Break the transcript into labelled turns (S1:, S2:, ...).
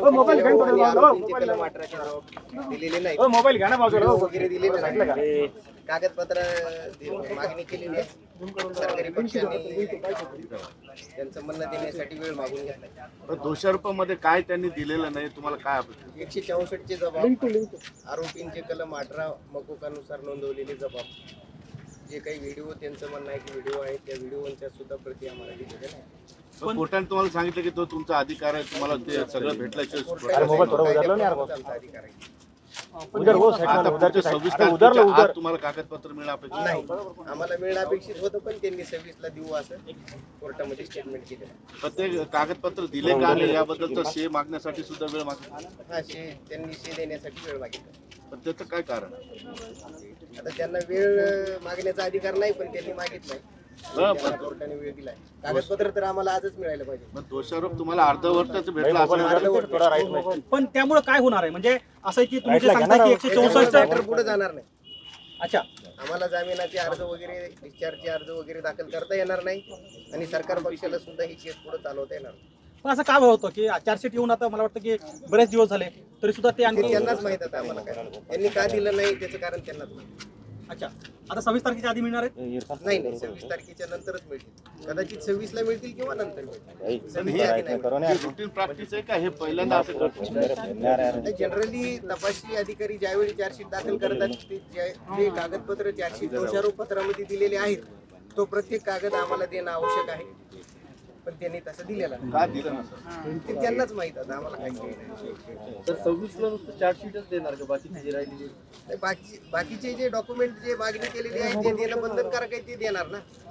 S1: Mobile घेऊन
S2: आणि आरोपींचे कलम 18चे जबाब दिलेले नाही.
S1: मोबाईल घ्या ना बाजूला
S2: वगैरे दिलेले नाही. कागदपत्र मागणी केलेली आहे. सरकारी पक्षाने त्यांचं म्हणणं देण्यासाठी वेळ मागून घेतला.
S3: दोषारोपामध्ये काय त्यांनी दिलेलं नाही, तुम्हाला काय अपेक्षा?
S2: 164 चे जबाब, आरोपींचे कलम 18 मकोकानुसार नोंदवलेले जबाब, जे काही व्हिडिओ त्यांचं म्हणणं आहे की व्हिडिओ आहेत त्या व्हिडिओच्या सुद्धा प्रती आम्हाला दिलेल्या नाही.
S3: पण कोर्टाने तुम्हाला सांगितलं की तो तुमचा अधिकार आहे, तुम्हाला ते सगळं भेटल्याशिवाय
S2: आमचा अधिकार आहे.
S3: आता पुढच्या 26 तारखेच्या आत तुम्हाला कागदपत्र मिळणं अपेक्षित
S2: नाही, आम्हाला मिळणं अपेक्षित होतं पण त्यांनी 26 ला देऊ असं कोर्टामध्ये स्टेटमेंट केलं.
S3: पण ते कागदपत्र दिले का नाही याबद्दल तर शे मागण्यासाठी सुद्धा वेळ मागितला.
S2: हा त्यांनी शे देण्यासाठी वेळ मागितला.
S3: पण त्याचं काय कारण?
S2: आता त्यांना वेळ मागण्याचा अधिकार नाही पण त्यांनी मागितलाय. कोर्टाने वेळ दिलाय. कागदपत्र तर आम्हाला आजच मिळायला पाहिजे.
S3: पण दोषारोप तुम्हाला अर्धवटाच भेटला असं.
S1: पण त्यामुळे काय होणार आहे? म्हणजे असं की तुम्ही जे सांगता की 164
S2: पुढे जाणार नाही.
S1: अच्छा,
S2: आम्हाला जामिनाचे अर्ज वगैरे डिस्चार्जचे अर्ज वगैरे दाखल करता येणार नाही आणि सरकार पक्षाला सुद्धा ही केस पुढे चालवता येणार नाही.
S1: पण असं काय होतं की चार्जशीट येऊन आता मला वाटतं की बरेच दिवस झाले तरी सुद्धा ते आणखी
S2: त्यांनाच माहित आहे आम्हाला काय त्यांनी का दिलं नाही त्याचं कारण त्यांनाच माहिती.
S1: अच्छा, आता 26 तारखेच्या आधी मिळणार आहेत?
S2: नाही 26 तारखेच्या नंतरच मिळतील. कदाचित 26 ला मिळतील किंवा नंतर मिळतील. 26 च्या आधी नाही.
S3: रुटीन प्रॅक्टिस आहे का हे पहिल्यांदा असं करतो?
S2: जनरली तपासणी अधिकारी ज्यावेळी चार्जशीट दाखल करतात ते जे कागदपत्र चार्जशीट दोषारोप पत्रामध्ये दिलेले आहेत तो प्रत्येक कागद आम्हाला देणं आवश्यक आहे. पण त्यांनी तसं दिलेलं नाही.
S3: का दिलं नसेल?
S2: ते त्यांनाच माहित आहे, आम्हाला काही नाही.
S4: तर 26 ला नुसतं चार्जशीटच देणार का? बाकीची जी राहिलेली
S2: बाकीचे जे डॉक्युमेंट जे मागणी केलेली आहे ते देणं बंधनकारक आहे ते देणार ना.